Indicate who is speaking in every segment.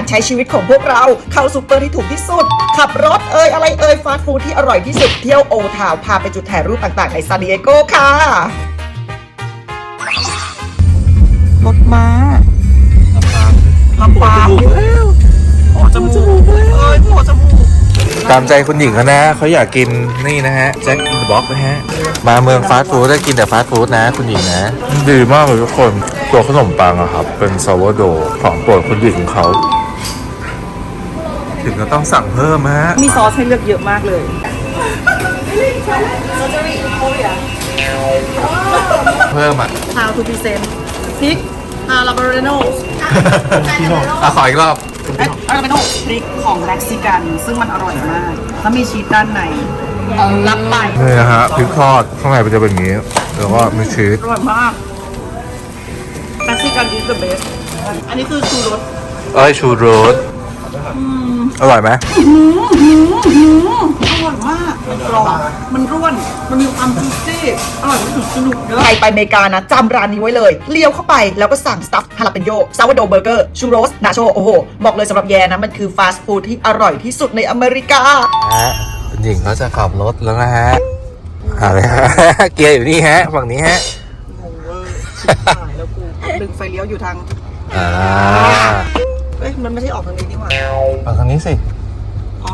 Speaker 1: ใช้ชีวิตของพวกเราเข้าซูเปอร์ที่ถูกที่สุดขับรถอะไรฟาสต์ฟู้ดที่อร่อยที่สุดเที่ยวโอทาวพาไปจุดถ่ายรูปต่างๆในซานดิเอโกค่ะรถม้าลำปางโอ้จมูกโอ้จมูก
Speaker 2: ตามใจคุณหญิงเขานะเขาอยากกินนี่นะฮะแจ็คอินเดอะบ็อกซ์นะฮะมาเมืองฟาสต์ฟู้ดได้กินแต่ฟาสต์ฟู้ดนะคุณหญิงนะดีมากเลยทุกคนตัวขนมปังอะครับเป็นซาวโดของโปรดคุณหญิงเขาถึงก็ต้องสั่งเพิ่มฮะ
Speaker 1: มีซอสให้เลือกเยอะมากเลย
Speaker 2: เพิ่มอ่ะ
Speaker 1: How to present พริกฮาลาบาเรโน
Speaker 2: ขออีกรอบ
Speaker 1: ฮาลาบาเรโนพริกของเม็กซิกันซึ่งมันอร่อยมากแล้วมีชีสด้านในรับไป
Speaker 2: นี่นะฮะพริกทอดข้างในมันจะเป็นอย่างนี้แล้วก็มีชีส
Speaker 1: อร่อยมากเม็กซิกัน is the best อันนี้คือชูรส
Speaker 2: ชูรสอร่อยไหม
Speaker 1: อร่อยมากมันกรอบมันร่วนมันมีความจุ๊ซี่อร่อยที่สุดสนุกใครไปอเมริกานะจำร้านนี้ไว้เลยเลี้ยวเข้าไปแล้วก็สั่งสตัฟฮาลาเปนโยซาวโดเบอร์เกอร์ชูโรสนาโชโอ้โหบอกเลยสำหรับแยนะมันคือฟาสต์ฟู้ดที่อร่อยที่สุดในอเมริกา
Speaker 2: คุณหญิงเขาจะขับรถแล้วนะฮะอะไรฮะเกียร์อยู่นี่ฮะฝั่งนี้ฮะ
Speaker 1: งงเวอร์หายแล้วกูดึงไฟเลี้ยวอยู่ทางมันไม่ใช่ออกทางนี้นี่หว่า
Speaker 2: ออกทางนี้สิ
Speaker 1: อ๋อ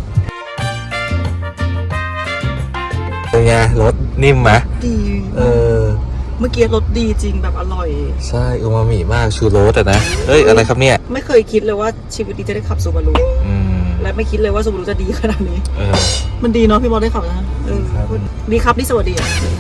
Speaker 2: เป็นไงรสนิ่มไหม
Speaker 1: ดีเมื่อกี้รสดีจริงแบบอร่อย
Speaker 2: ใช่อูมามิมากชูโรสนะอะไรครับเนี่ย
Speaker 1: ไม่เคยคิดเลยว่าชีวิตนี้จะได้ขับซูบารุและไม่คิดเลยว่าซูบารุจะดีขนาดนี้มันดีเนาะพี่บอลได้ขับนะดีครับนี่สวัสดี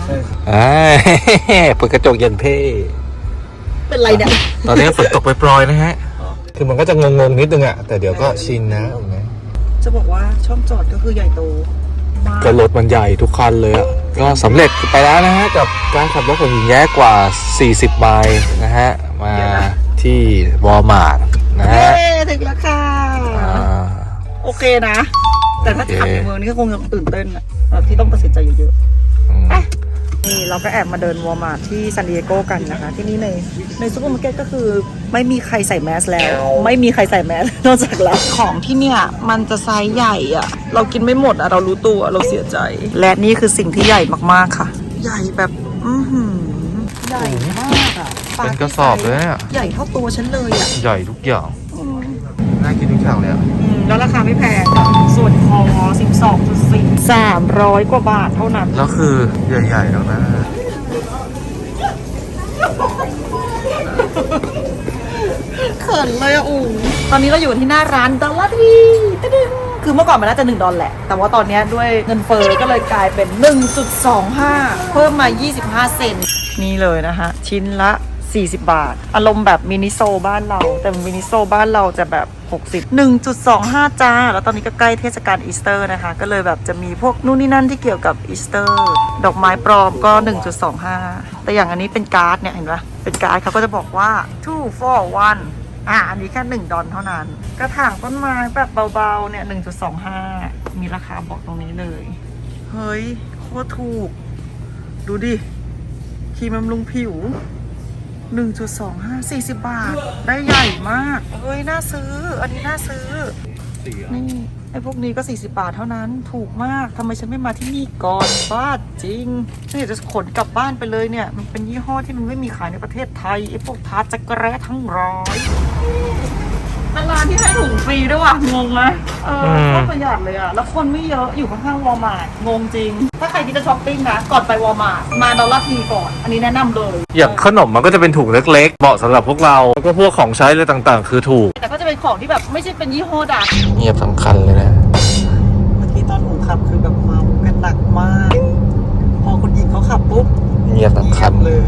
Speaker 2: เปิดกระจกเย็นเพ่
Speaker 1: เป็นไรเนี่ย
Speaker 2: ตอนนี้ฝนตกปล่อยๆนะฮะคือมันก็จะงงๆนิดนึงอะแต่เดี๋ยวก็ชินนะ
Speaker 1: จะบอกว่าช่องจอดก็คือใหญ่โตมาก
Speaker 2: ก็รถมันใหญ่ทุกคันเลยอะก็สำเร็จไปแล้วนะฮะกับการขับรถของหญิงแย้กว่า40ไมล์นะฮะมาที่วอลมาร์ทนะฮะ
Speaker 1: ถึงแล้วค่ะโอเคนะแต่ถ้าขับในเมืองนี่ก็คงยังตื่นเต้นอะที่ต้องตัดสินใจเยอะๆนี่เราก็แอบมาเดินวอลมาร์ทที่ซานดิเอโกกันนะคะที่นี่ในซูเปอร์มาร์เก็ตก็คือไม่มีใครใส่แมสแล้วไม่มีใครใส่แมสนอกจากเราของที่เนี่ยมันจะไซส์ใหญ่อะเรากินไม่หมดอะเรารู้ตัวเราเสียใจและนี่คือสิ่งที่ใหญ่มากๆค่ะใหญ่แบบใหญ่มากอะ
Speaker 2: เป็นกระสอบเลยอะ
Speaker 1: ใหญ่เท่าตัวฉันเลยอะ
Speaker 2: ใหญ่ทุกอย่างน่ากินทุกอย่างเลยอะ
Speaker 1: แล้วราคาไม่แพงส่วนคอ 12.4 300 กว่าบาทเท่านั้น
Speaker 2: แล้วคือใหญ่ๆแล้วนะ
Speaker 1: เขินเลยอะตอนนี้เราอยู่ที่หน้าร้านดอลลาร์ทีคือเมื่อก่อนมันน่าจะ$1แหละแต่ว่าตอนนี้ด้วยเงินเฟ้อก็เลยกลายเป็น 1.25 เพิ่มมา25 เซนต์นี่เลยนะคะชิ้นละ40 บาทอารมณ์แบบมินิโซบ้านเราแต่มินิโซบ้านเราจะแบบ60 1.25 จ้าแล้วตอนนี้ก็ใกล้เทศกาลอีสเตอร์นะคะก็เลยแบบจะมีพวกนู่นนี่นั่นที่เกี่ยวกับอีสเตอร์ดอกไม้ปลอมก็ 1.25 แต่อย่างอันนี้เป็นการ์ดเนี่ยเห็นปะเป็นการ์ดเขาก็จะบอกว่า 2 for 1อันนี้แค่$1เท่านั้นกระถางต้นไม้แบบเบาๆเนี่ย 1.25 มีราคาบอกตรงนี้เลยเฮ้ยโคตรถูกดูดิครีมบำรุงผิว1.25 40 บาทได้ใหญ่มากเฮ้ยน่าซื้ออันนี้น่าซื้อนี่ไอ้พวกนี้ก็40 บาทเท่านั้นถูกมากทำไมฉันไม่มาที่นี่ก่อนบ้าจริงฉันอยากจะขนกลับบ้านไปเลยเนี่ยมันเป็นยี่ห้อที่มันไม่มีขายในประเทศไทยไอ้พวกทาร์ตจักรแร้ทั้งร้อยร้านที่ให้ถุงฟรีด้วยว่ะงงไหมก็ประหยัดเลยอ่ะแล้วคนไม่เยอะอยู่ข้างๆวอลมาร์ทงงจริงถ้าใครที่จะช้อปปิ้งนะก่อนไปวอลมาร์ทมาดอลลาร์ทีก่อนอันนี้แนะนำเลย
Speaker 2: อย่างขนมมันก็จะเป็นถุงเล็กๆเหมาะสำหรับพวกเราแล้วก็พวกของใช้อะไรต่างๆคือถูก
Speaker 1: แต่ก็จะเป็นของที่แบบไม่ใช่เป็นยี่ห้อดัง
Speaker 2: เงียบสำคัญเลยนะ
Speaker 1: เมื่อกี้ตอนหนูขับคือแบบเมากันหนักมากพอคนหญิงเขาขับปุ๊บ
Speaker 2: เงียบสำคัญ
Speaker 1: เลย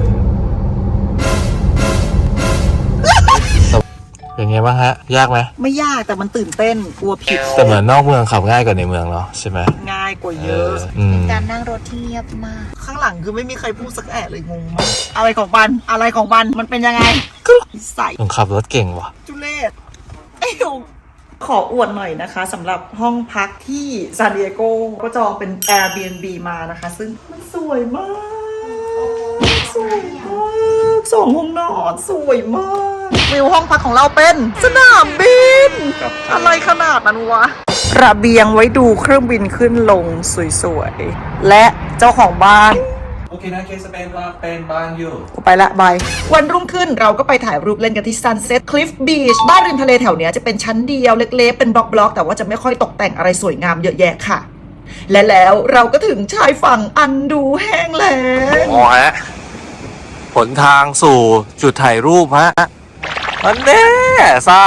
Speaker 2: อย่างเงี้ยบ้างฮะยากไหม
Speaker 1: ไม่ยากแต่มันตื่นเต้นกลัวผิด
Speaker 2: แต่เหมือนนอกเมืองขับง่ายกว่าในเมืองเนาะใช่ไหม
Speaker 1: ง่ายกว่าเยอะการนั่งรถที่เงียบมากข้างหลังคือไม่มีใครพูดสักแอะเลยงงมากอะไรของบันมันเป็นยังไงใส่
Speaker 2: ขับรถเก่งว่ะ
Speaker 1: จุเลศขออวดหน่อยนะคะสำหรับห้องพักที่ซานดิเอโกก็จองเป็น Airbnb มานะคะซึ่งมันสวยมาก2 ห้องนอนสวยมากเวฟิลห้องพักของเราเป็นสนามบิน อะไรขนาดนั้นวะ ระเบียงไว้ดูเครื่องบินขึ้นลงสวยๆ และเจ้าของบ้าน
Speaker 2: โอเคนะเคสเป็นบ้านอยู่
Speaker 1: ไปละบาย วันรุ่งขึ้นเราก็ไปถ่ายรูปเล่นกันที่ Sunset Cliff Beach บ้านริมทะเลแถวเนี้ยจะเป็นชั้นเดียวเล็กๆ เป็นบล็อกๆ แต่ว่าจะไม่ค่อยตกแต่งอะไรสวยงามเยอะแยะค่ะ และแล้วเราก็ถึงชายฝั่งอันดูแห้งแล้ง
Speaker 2: อ๋อฮะผลทางสู่จุดถ่ายรูปฮะมันแน่ซ่า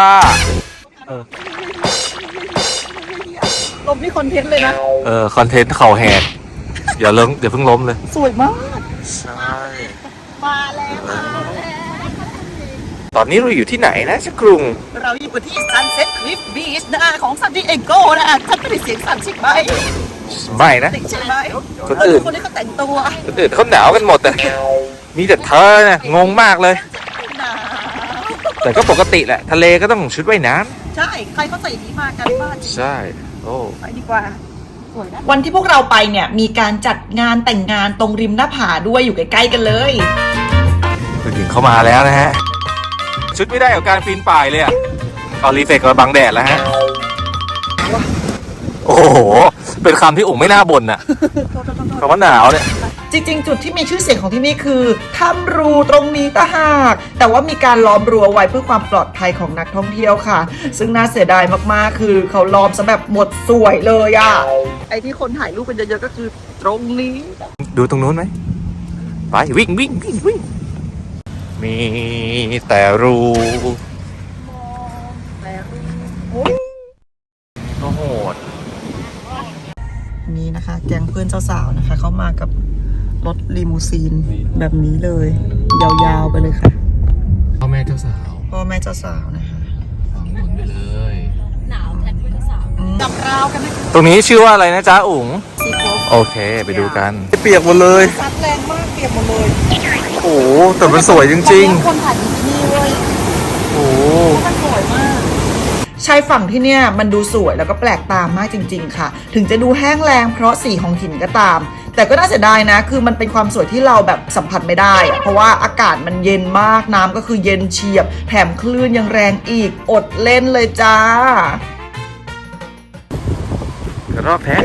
Speaker 1: ลมนี่คอนเทนต์เลยนะ
Speaker 2: คอนเทนต์เข่าแหกอย่าเพิ่งล้มเลย
Speaker 1: สวยมาก
Speaker 2: ใช่
Speaker 1: มาแล้ว
Speaker 2: ตอนนี้เราอยู่ที่ไหนนะชักกรุง
Speaker 1: เราอยู่กันที่ Sunset Cliff Beach นะของซานดิเอโกนะฉันไม่ได้เสียงสั่นใช่ไหม
Speaker 2: ไม่นะ
Speaker 1: ติดใช่ไหม
Speaker 2: คนอื่น
Speaker 1: คนนี้เขาแต่งตัว
Speaker 2: คนอื่นเขาหนาวกันหมดแต่มีแต่เธอนะงงมากเลย
Speaker 1: หนาว
Speaker 2: แต่ก็ปกติแหละ ทะเลก็ต้องชุดว่ายน้
Speaker 1: ใช่ ใครเขาใส่อย่างนี้มากันบ้าน
Speaker 2: ำใช่ โอ้
Speaker 1: ไปดีกว่า วันที่พวกเราไปเนี่ยมีการจัดงานแต่งงานตรงริมหน้าผาด้วยอยู่ใกล้ๆกันเลย
Speaker 2: คุณหญิงเข้ามาแล้วนะฮะ ชุดไม่ได้กับการปีนป่ายเลยอ่ะเอารีเฟกมาบังแดดแล้วฮะ โอ้โห เป็นคำที่อุ๋งไม่น่าบ่นอ่ะคำว่าหนาวเนี่ย
Speaker 1: จริงๆ จุดที่มีชื่อเสียงของที่นี่คือถ้ำรูตรงนี้ต่างหากแต่ว่ามีการล้อมรั้วไว้เพื่อความปลอดภัยของนักท่องเที่ยวค่ะ ซึ่งน่าเสียดายมากๆ คือเขาล้อมซะแบบหมดสวยเลยอะไอที่คนถ่ายรูปกันเยอะๆก็คือตรงนี้
Speaker 2: ดูตรงนู้นไหม ไปวิ่ง มีแต่รู โอ้โห
Speaker 1: นี่นะคะ แก๊งเพื่อนเจ้าสาวนะคะ เขามากับรถลีมูซีนแบบนี้เลย ยาวๆไปเลยค่ะ
Speaker 2: พ่อแม่เจ้าสาว
Speaker 1: พ่อแม่เจ้าสาวนะคะ
Speaker 2: ฟังหนุนไปเลย
Speaker 1: จับราวกันไหม
Speaker 2: ตรงนี้ชื่อว่าอะไรนะจ๊ะอุ๋ง
Speaker 1: ซีโค
Speaker 2: โอเค ไปดูกัน เปียกหมดเลย
Speaker 1: ซัดแรงมากเปียกหมดเลย
Speaker 2: โอ้โหแต่มันสวยจริง
Speaker 1: คนถ่ายที่นี่เว้ย
Speaker 2: ๆ โอ้โห
Speaker 1: มันสวยมากชายฝั่งที่เนี่ยมันดูสวยแล้วก็แปลกตามากจริงๆค่ะ ถึงจะดูแห้งแล้งเพราะสีของหินก็ตาม แต่ก็น่าเสียดายนะ คือมันเป็นความสวยที่เราแบบสัมผัสไม่ได้อะเพราะว่าอากาศมันเย็นมากน้ำก็คือเย็นเฉียบ แถมคลื่นยังแรงอีกอดเล่นเลยจ้า
Speaker 2: กระรอกแท้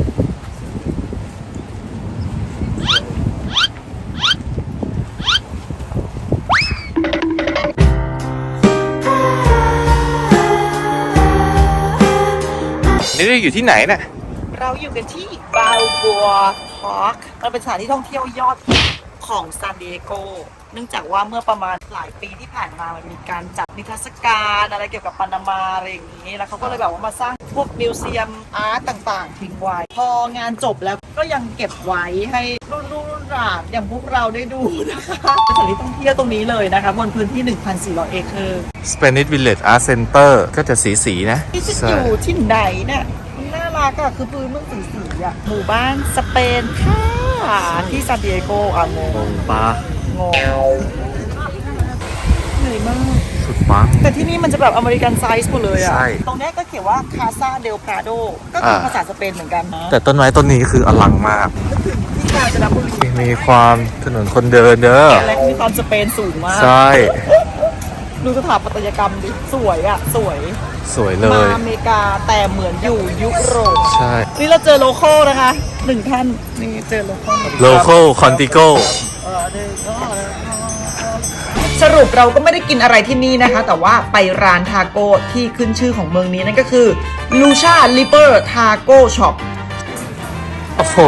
Speaker 2: นี่เราอยู่ที่ไหนน่ะ
Speaker 1: เราอยู่กันที่บาลบัวพาร์คมันเป็นสถานที่ท่องเที่ยวยอดฮิตของซานดิเอโกเนื่องจากว่าเมื่อประมาณหลายปีที่ผ่านมามันมีการจัดนิทรรศการอะไรเกี่ยวกับปานามาอะไรอย่างนี้ แล้วเขาก็เลยแบบว่ามาสร้างพวกมิวเซียมอาร์ตต่างๆทิ้งไว้ พองานจบแล้วก็ยังเก็บไว้ให้รุ่นหลานอย่างพวกเราได้ดูนะคะเป็นสถานที่ท่องเที่ยวตรงนี้เลยนะคะบนพื้นที่ 1,400 เอเคอร์
Speaker 2: Spanish Village Art Center ก็จะสีๆนะ
Speaker 1: ที่จะอยู่ที่ไหนเนี่ยมันน่ารักอะคือพื้นเมืองสีๆอะหมู่บ้านสเปนค่ะที่ซานดิเอโกอ่ะงง
Speaker 2: ปลาง
Speaker 1: งเหนื่อยมาก
Speaker 2: สุดปัง
Speaker 1: แต่ที่นี่มันจะแบบอเมริกันไซส์หมดเลยอะ
Speaker 2: ใช่
Speaker 1: ตรงเนี้ยก็เขียนว่าคาซาเดล p าโดก็คือภาษาสเปนเหมือนกันนะ
Speaker 2: แต่ต้นไม้ต้นนี้คืออลังมาก
Speaker 1: นึกถึงที่กาญจนบุรี
Speaker 2: มีความถนนคนเดินเด้อ
Speaker 1: และมีความสเปนสูงมาก
Speaker 2: ใช่
Speaker 1: ดูสถาปัตยกรรมดิสวยอะสวย
Speaker 2: สวยเล
Speaker 1: มาย อเมริกาแต่เหมือนอยู่ยุโรป
Speaker 2: ใช่
Speaker 1: นี่เราเจอโลโก้นะคะหนึ่งท่านนี่เจอโลโก้
Speaker 2: local contigo
Speaker 1: สรุปเราก็ไม่ได้กินอะไรที่นี่นะคะ แต่ว่าไปร้านทาโก้ที่ขึ้นชื่อของเมืองนี้นั่นก็คือ Lucha Liber Taco Shop
Speaker 2: โอ้โห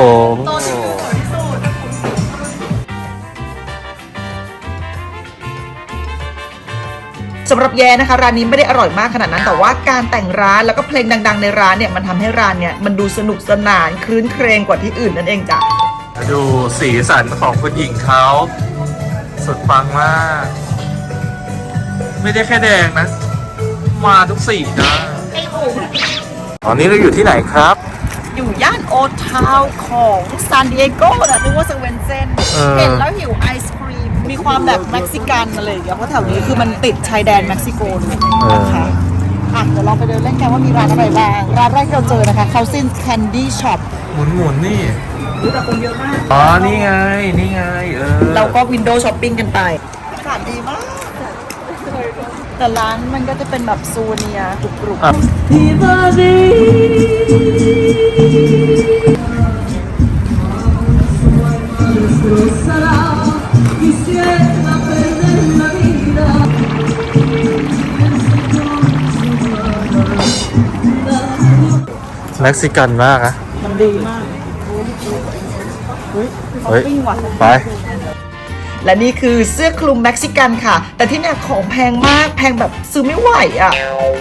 Speaker 1: สำหรับแย่นะคะร้านนี้ไม่ได้อร่อยมากขนาดนั้น แต่ว่าการแต่งร้านแล้วก็เพลงดังๆในร้านเนี่ยมันทำให้ร้านเนี่ยมันดูสนุกสนานคลื้นเครงกว่าที่อื่นนั่นเองจ้ะ
Speaker 2: ดูสีสันของคุณหญิงเขาสุดปังมาก ไม่ได้แค่แดงนะ มาทุกสีนะตอนนี้เราอยู่ที่ไหนครับ
Speaker 1: อยู่ย่านโอทาวของซานดิเอโกนะนึกว่าสเวนเซนเห็นแล้วหิวไอศครีมมีความแบบเม็กซิกันอะไรอย่างเงี้ยเพราะแถวนี้คือมันติดชายแดนเม็กซิโกเลยนะคะเดี๋ยวเราไปเดินเล่นกันว่ามีร้านอะไรบ้างร้านแรกที่เราเจอนะคะ Cousins Candy Shop
Speaker 2: หมุนนี่
Speaker 1: รู้แต่คนเยอะมาก
Speaker 2: อ๋อ นี่ไง
Speaker 1: เราก็วินโดว์ช้อปปิ้งกันไปอากาศดีมากแต่ร้านมันก็จะเป็นแบบซูเนียร์กรุบ
Speaker 2: อ่ะ เม็กซิกันมากนะ
Speaker 1: ๆมันดีมากเฮ้ย
Speaker 2: เฮ้ย
Speaker 1: ปิ้งว่ะ
Speaker 2: ไป
Speaker 1: และนี่คือเสื้อคลุมเม็กซิกันค่ะ แต่ที่เนี่ยของแพงมากแพงแบบซื้อไม่ไหวอ่ะ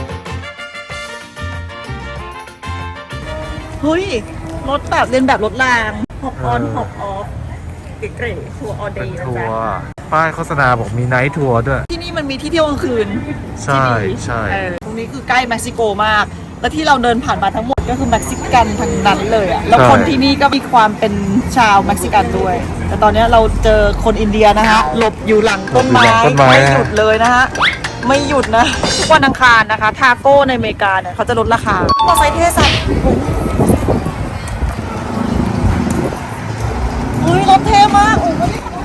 Speaker 1: เฮ้ยรถแบบเรียนแบบรถรางฮอปออนฮอปออฟเก๋ๆทัวร์ออเด
Speaker 2: เป็น
Speaker 1: ย์นะ
Speaker 2: ทัว
Speaker 1: จ๊ะ
Speaker 2: ร์ป้ายโฆษณาบอกมีไนท์ทัวร์ด้วย
Speaker 1: ที่นี่มันมีที่เที่ยวกลางคืน
Speaker 2: ใช่
Speaker 1: ที่ดี
Speaker 2: ใช่
Speaker 1: ตรงนี้คือใกล้เม็กซิโกมาก และที่เราเดินผ่านมาทั้งหมดก็คือเม็กซิกันทั้งนั้นเลยอะแล้วคนที่นี่ก็มีความเป็นชาวเม็กซิกันด้วย แต่ตอนนี้เราเจอคนอินเดียนะฮะหลบอยู่หลังต้นไม้ไม่หยุดเลยนะฮะไม่หยุดนะทุกวันอังคารนะคะทาโก้ในอเมริกาเนี่ยเขาจะลดราคามอไซค์เทสัตเฮ้ยรถเท่มากโอ้โห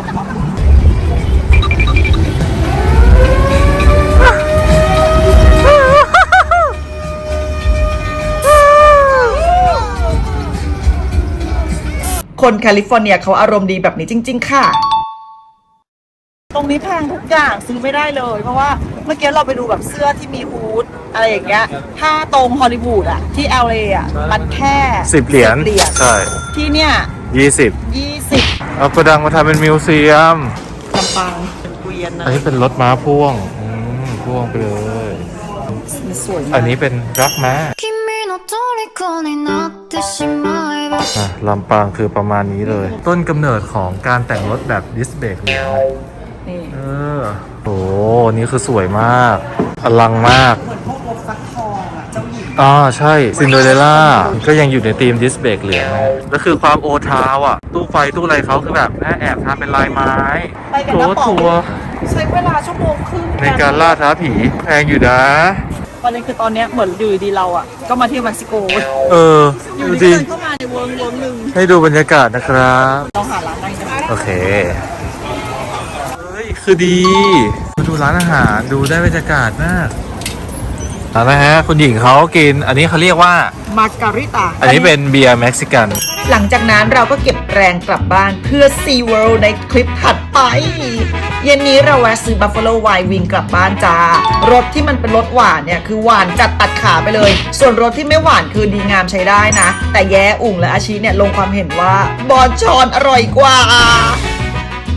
Speaker 1: คนแคลิฟอร์เนียเขาอารมณ์ดีแบบนี้จริงๆค่ะตรงนี้แพงทุกอย่างซื้อไม่ได้เลย เพราะว่าเมื่อกี้เราไปดูแบบเสื้อที่มีฮูดอะไรอย่างเงี้ยถ้าตรงฮอลลีวูดอะที่ LA อะมันแค่
Speaker 2: 10 เหรียญ ใช่
Speaker 1: ที่เนี่ย
Speaker 2: 20
Speaker 1: 20
Speaker 2: เอากระดังมาทำเป็นมิวเซียม
Speaker 1: ลำปางเป็นเกวียนนะ
Speaker 2: อันนี้เป็นรถม้าพ่วงพ่วงไปเลย
Speaker 1: มันสวยมาก
Speaker 2: อันนี้เป็นรักม้า
Speaker 3: 君の虜になってしまえば
Speaker 2: อ่ะลำปางคือประมาณนี้เลย ต้นกำเนิดของการแต่งรถแบบดิสเบรกเหลือง
Speaker 1: นี่
Speaker 2: โอ้นี่คือสวยมาก อลังมาก
Speaker 1: เหมือนพวกรถฟักทองอะเจ้าหญิง
Speaker 2: ใช่ซินโดเรลล่าก็ยังอยู่ในธีมดิสเบรกเหลืองนะแล้วคือความโอทาวอ่ะ ตู้ไฟตู้อะไรเขาคือแบบแอบทำเป็นลายไม้
Speaker 1: ไปกันนะป๋อง
Speaker 2: ทัวร์
Speaker 1: ใช้เวลาชั่วโมงครึ่ง
Speaker 2: ในการล่าท้าผีแพงอยู่นะ
Speaker 1: ประเด็นคือตอนเนี้ยเหมือนอยู่ดีๆเราอ่ะก็มาเที่ยวเม็กซิโก อยู่
Speaker 2: ดู
Speaker 1: ดี
Speaker 2: ดิ
Speaker 1: ๆเดินเข้ามาในเวิร์กหนึ่ง
Speaker 2: ให้ดูบรรยากาศนะครับ
Speaker 1: เราหาร้านนั่งกัน
Speaker 2: โอเค เฮ้ย คือดีมาดูร้านอาหารดูได้บรรยากาศมากนะฮะคุณหญิงเขากิน อันนี้เขาเรียกว่า
Speaker 1: มาการิตา
Speaker 2: อันนี้เป็นเบียร์เม็กซิกัน
Speaker 1: หลังจากนั้นเราก็เก็บแรงกลับบ้านเพื่อ Sea World ในคลิปถัดไป เย็นนี้เราแวะซื้อ Buffalo Wild Wing กลับบ้านจ้ารสที่มันเป็นรสหวานเนี่ยคือหวานจัดตัดขาไปเลย ส่วนรสที่ไม่หวานคือดีงามใช้ได้นะ แต่แย้อุ่งและอาชีเนี่ยลงความเห็นว่าบอนชอนอร่อยกว่า